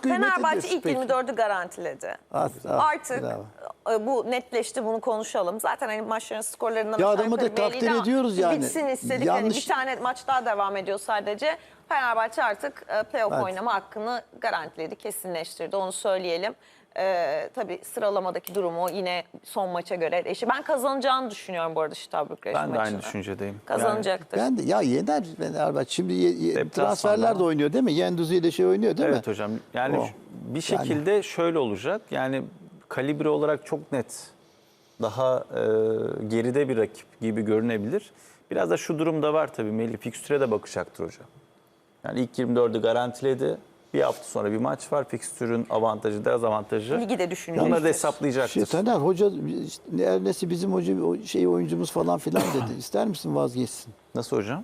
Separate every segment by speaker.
Speaker 1: kıymet
Speaker 2: Fenerbahçe
Speaker 1: ediyorsun.
Speaker 2: ilk
Speaker 1: Peki.
Speaker 2: 24'ü garantiledi. Artık bu netleşti, bunu konuşalım. Zaten hani maçların skorlarından
Speaker 1: Ya
Speaker 2: aşağı
Speaker 1: adamı da
Speaker 2: yukarı belliydi
Speaker 1: takdir
Speaker 2: ama
Speaker 1: ediyoruz yani.
Speaker 2: bitsin istedik.
Speaker 1: Yanlış-
Speaker 2: Hani bir tane maç daha devam ediyor sadece. Fenerbahçe artık playoff
Speaker 1: Evet.
Speaker 2: oynama hakkını garantiledi, kesinleştirdi. Onu söyleyelim. Tabii sıralamadaki durumu yine son maça göre eşi. Ben kazanacağını düşünüyorum bu arada Steaua Bükreş
Speaker 3: Ben de
Speaker 2: maçını.
Speaker 3: aynı düşüncedeyim.
Speaker 2: Kazanacaktır.
Speaker 1: Ben de ya yener Fenerbahçe. Şimdi
Speaker 3: Deplasmanda.
Speaker 1: transferler de oynuyor değil mi? Yenduzi ile şey oynuyor değil mi?
Speaker 3: Evet hocam. Yani
Speaker 1: O.
Speaker 3: bir şekilde şöyle olacak. Yani kalibre olarak çok net. Daha geride bir rakip gibi görünebilir. Biraz da şu durum da var tabii. Melih fikstüre de bakacaktır hocam. Yani ilk 24'ü garantiledi. Bir hafta sonra bir maç var. Fikstürün avantajı, dezavantajı.
Speaker 2: Ligi de düşünecektir.
Speaker 3: Onları da hesaplayacaktır.
Speaker 1: Taner hoca Ernesi bizim hoca oyuncumuz falan filan dedi. İster misin vazgeçsin?
Speaker 3: Nasıl hocam?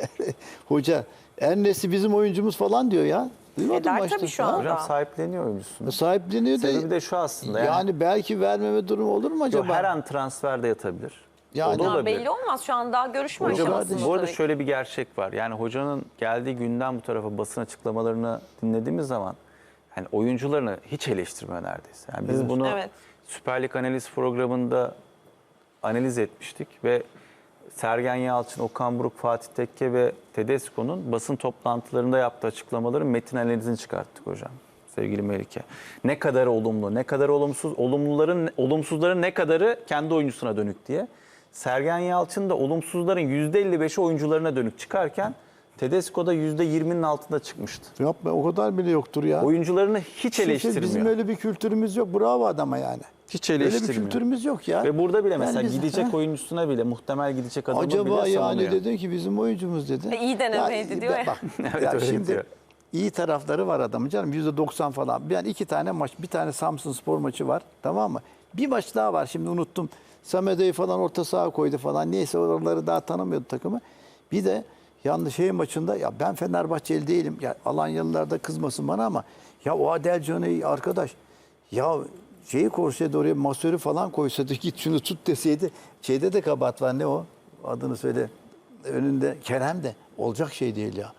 Speaker 1: Hoca Ernesi bizim oyuncumuz falan diyor ya. Duymadın
Speaker 2: Eder
Speaker 1: mı
Speaker 2: tabii
Speaker 1: işte?
Speaker 2: şu
Speaker 1: Ha?
Speaker 2: an.
Speaker 3: Hocam sahipleniyor oyuncusunu.
Speaker 1: Sahipleniyor da.
Speaker 3: Sebebi de şu aslında.
Speaker 1: Yani belki vermeme durumu olur mu acaba?
Speaker 3: her an transferde yatabilir.
Speaker 1: Yani-
Speaker 3: O da
Speaker 2: Ya
Speaker 3: olabilir.
Speaker 2: belli olmaz. Şu an daha görüşme
Speaker 1: Hocam,
Speaker 2: aşamasında.
Speaker 3: Bu arada
Speaker 2: tabii.
Speaker 3: şöyle bir gerçek var. Yani hocanın geldiği günden bu tarafa basın açıklamalarını dinlediğimiz zaman hani oyuncularını hiç eleştirmiyor neredeyse. Yani biz bunu
Speaker 2: Evet.
Speaker 3: Süper Lig analiz programında analiz etmiştik ve Sergen Yalçın, Okan Buruk, Fatih Tekke ve Tedesco'nun basın toplantılarında yaptığı açıklamaların metin analizini çıkarttık hocam. Sevgili Melike. Ne kadar olumlu, ne kadar olumsuz, olumsuzların ne kadarı kendi oyuncusuna dönük diye. Sergen Yalçın da olumsuzların %55'i oyuncularına dönük çıkarken Tedesco da %20'nin altında çıkmıştı.
Speaker 1: Yapma o kadar bile yoktur ya.
Speaker 3: Oyuncularını hiç eleştirmiyor.
Speaker 1: Bizim öyle bir kültürümüz yok. Bravo adama yani.
Speaker 3: Hiç
Speaker 1: Öyle bir
Speaker 3: eleştirmiyor.
Speaker 1: kültürümüz yok ya.
Speaker 3: Ve burada bile
Speaker 1: Yani
Speaker 3: mesela
Speaker 1: biz-
Speaker 3: gidecek
Speaker 1: Ha?
Speaker 3: oyuncusuna bile, muhtemel gidecek adamı
Speaker 1: Acaba
Speaker 3: bile
Speaker 1: yani
Speaker 3: savunuyor.
Speaker 1: dedin ki bizim oyuncumuz dedi.
Speaker 2: İyi denemeydi diyor ya.
Speaker 1: Bak,
Speaker 3: Evet,
Speaker 1: ya
Speaker 3: öyle
Speaker 1: şimdi
Speaker 3: diyor.
Speaker 1: iyi tarafları var adamın canım. %90 falan. Yani 2 tane maç, bir tane Samsunspor maçı var. Tamam mı? Bir maç daha var. Şimdi unuttum. Samede'yi falan orta saha koydu falan. Neyse oraları daha tanımıyordu takımı. Bir de yanlış maçında ya ben Fenerbahçeli değilim. Ya Alanyalılar da kızmasın bana ama ya o Adel Can'ı arkadaş ya şeyi korsaydı oraya masörü falan koysaydı git şunu tut deseydi. Şeyde de kabahat var ne o? Adını söyle. Önünde Kerem de olacak şey değil ya.